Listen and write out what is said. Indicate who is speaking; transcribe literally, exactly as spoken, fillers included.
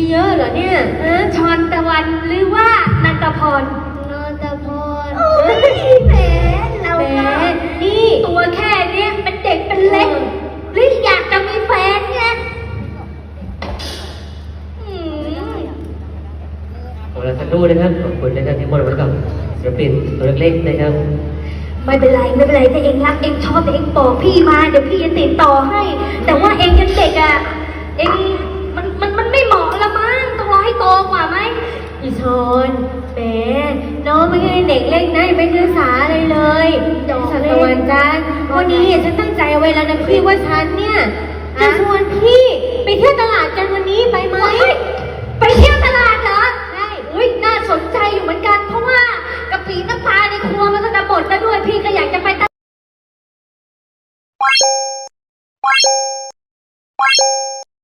Speaker 1: เยอะเหรอเนี่ยฮะชอนตะวันหรือว่านันตพร
Speaker 2: นนทพร
Speaker 1: โอ้ยแหมเราก็นี่ตัวแค่เนี้ยเป็นเด็กเป็นเล็กหรืออยากจะมีแฟนไง
Speaker 3: ขอเราสักครู่นะครับขอบคุณนะครับที่มอบไว้กับศิลปินตัวเล็กๆนะครับ
Speaker 1: ไม่เป็นไรไม่เป็นไรถ้าเองรักเองชอบเองบอกพี่มาเดี๋ยวพี่จะติดต่อให้แต่ว่าเองยังเด็กอ่ะเองมันมันมันไม่เหมาะละมั้งต้องรอให้โตกว่าไหมอีชนแหมน้องไม่ใช่เด็กเล็กนะไม่ศึกษาเลยเลยดอกสัตวันจันทร์วันนี้ฉันตั้งใจเอาไว้แล้วนะพี่ว่าฉันเนี่ยจะชวนพี่ไปเที่ยวตลาดกันวันนี้ไปไหมไปเที่ยวตลาดเหรอใช่อุ้ยน่าสนใจอยู่เหมือนกันเพราะว่ากะปิน้ำปลาในครัวมันก็จะหมดแล้วด้วยพี่ก็อยากจะไปตลาด